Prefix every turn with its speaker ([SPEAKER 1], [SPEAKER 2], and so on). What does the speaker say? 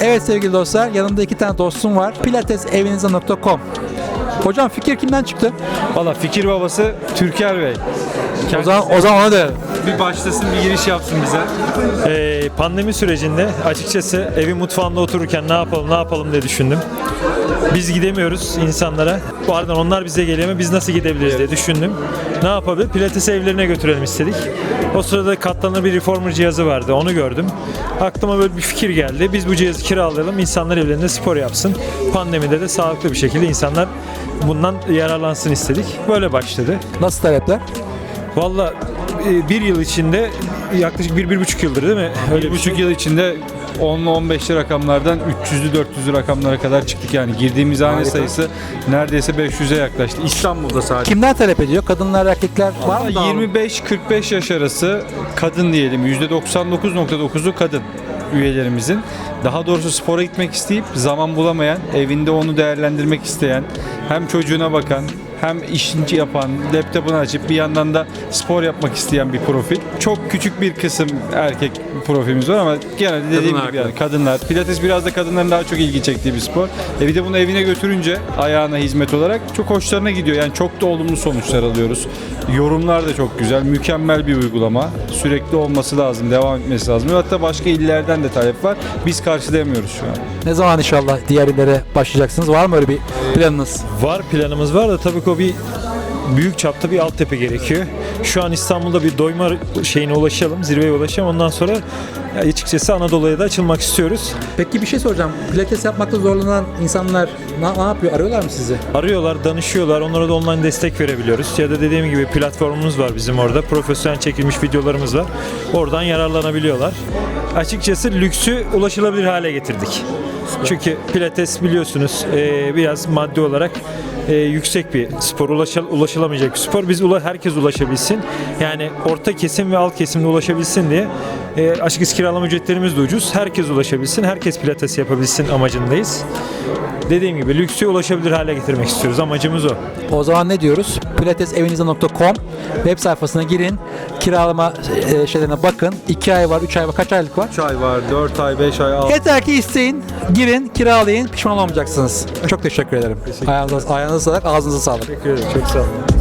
[SPEAKER 1] Evet sevgili dostlar, yanımda 2 tane dostum var. pilatesevinize.com. Hocam fikir kimden çıktı?
[SPEAKER 2] Valla fikir babası Türker Bey.
[SPEAKER 1] O zaman ona dönelim.
[SPEAKER 2] Bir başlasın, bir giriş yapsın bize.
[SPEAKER 3] Pandemi sürecinde açıkçası evin mutfağında otururken ne yapalım diye düşündüm. Biz gidemiyoruz insanlara. Pardon, onlar bize geliyor ama biz nasıl gidebiliriz diye düşündüm. Ne yapabilir? Pilates evlerine götürelim istedik. O sırada katlanır bir reformer cihazı vardı. Onu gördüm. Aklıma böyle bir fikir geldi. Biz bu cihazı kiralayalım. İnsanlar evlerinde spor yapsın. Pandemide de sağlıklı bir şekilde insanlar bundan yararlansın istedik. Böyle başladı.
[SPEAKER 1] Nasıl talepler?
[SPEAKER 3] Valla bir yıl içinde yaklaşık 1-1,5 yıldır değil mi? Öyle
[SPEAKER 2] Bir buçuk yıl içinde 10'lu 15'li rakamlardan 300'lü 400'lü rakamlara kadar çıktık yani. Girdiğimiz hane sayısı neredeyse 500'e yaklaştı. İstanbul'da sadece.
[SPEAKER 1] Kimler talep ediyor? Kadınlar, erkekler var mı?
[SPEAKER 2] 25-45 yaş arası kadın diyelim. %99.9'u kadın üyelerimizin. Daha doğrusu spora gitmek isteyip zaman bulamayan, evinde onu değerlendirmek isteyen, hem çocuğuna bakan, hem işini yapan, laptopunu açıp bir yandan da spor yapmak isteyen bir profil. Çok küçük bir kısım erkek profilimiz var ama genelde dediğim gibi yani kadınlar. Pilates biraz da kadınların daha çok ilgi çektiği bir spor. Bir de bunu evine götürünce ayağına hizmet olarak çok hoşlarına gidiyor. Yani çok da olumlu sonuçlar alıyoruz. Yorumlar da çok güzel. Mükemmel bir uygulama. Sürekli olması lazım, devam etmesi lazım. Hatta başka illerden de talep var. Biz karşılayamıyoruz şu an.
[SPEAKER 1] Ne zaman inşallah diğer illere başlayacaksınız? Var mı öyle bir planınız?
[SPEAKER 3] Var, planımız var da tabii ki o bir büyük çapta bir altyapı gerekiyor. Şu an İstanbul'da bir doyma şeyine ulaşalım, zirveye ulaşalım. Ondan sonra açıkçası Anadolu'ya da açılmak istiyoruz.
[SPEAKER 1] Peki bir şey soracağım. Pilates yapmakta zorlanan insanlar ne yapıyor? Arıyorlar mı sizi?
[SPEAKER 3] Arıyorlar, danışıyorlar. Onlara da online destek verebiliyoruz. Ya da dediğim gibi platformumuz var bizim orada. Profesyonel çekilmiş videolarımız var. Oradan yararlanabiliyorlar. Açıkçası lüksü ulaşılabilir hale getirdik. Çünkü Pilates biliyorsunuz biraz maddi olarak yüksek bir spor, ulaşılamayacak bir spor. Biz herkes ulaşabilsin. Yani orta kesim ve alt kesimde ulaşabilsin diye açıkçası kiralama ücretlerimiz de ucuz. Herkes ulaşabilsin, herkes Pilates yapabilsin amacındayız. Dediğim gibi lüksü ulaşabilir hale getirmek istiyoruz. Amacımız o.
[SPEAKER 1] O zaman ne diyoruz? pilatesevinize.com web sayfasına girin. Kiralama şeylerine bakın. 2 ay var, 3 ay var. Kaç aylık var?
[SPEAKER 2] 3 ay var, 4 ay, 5 ay, 6
[SPEAKER 1] Yeter ki isteyin, girin, kiralayın. Pişman olmayacaksınız. Çok teşekkür ederim. Ayağınıza sağlık, ağzınıza sağlık.
[SPEAKER 3] Teşekkür ederim. Çok sağ olun.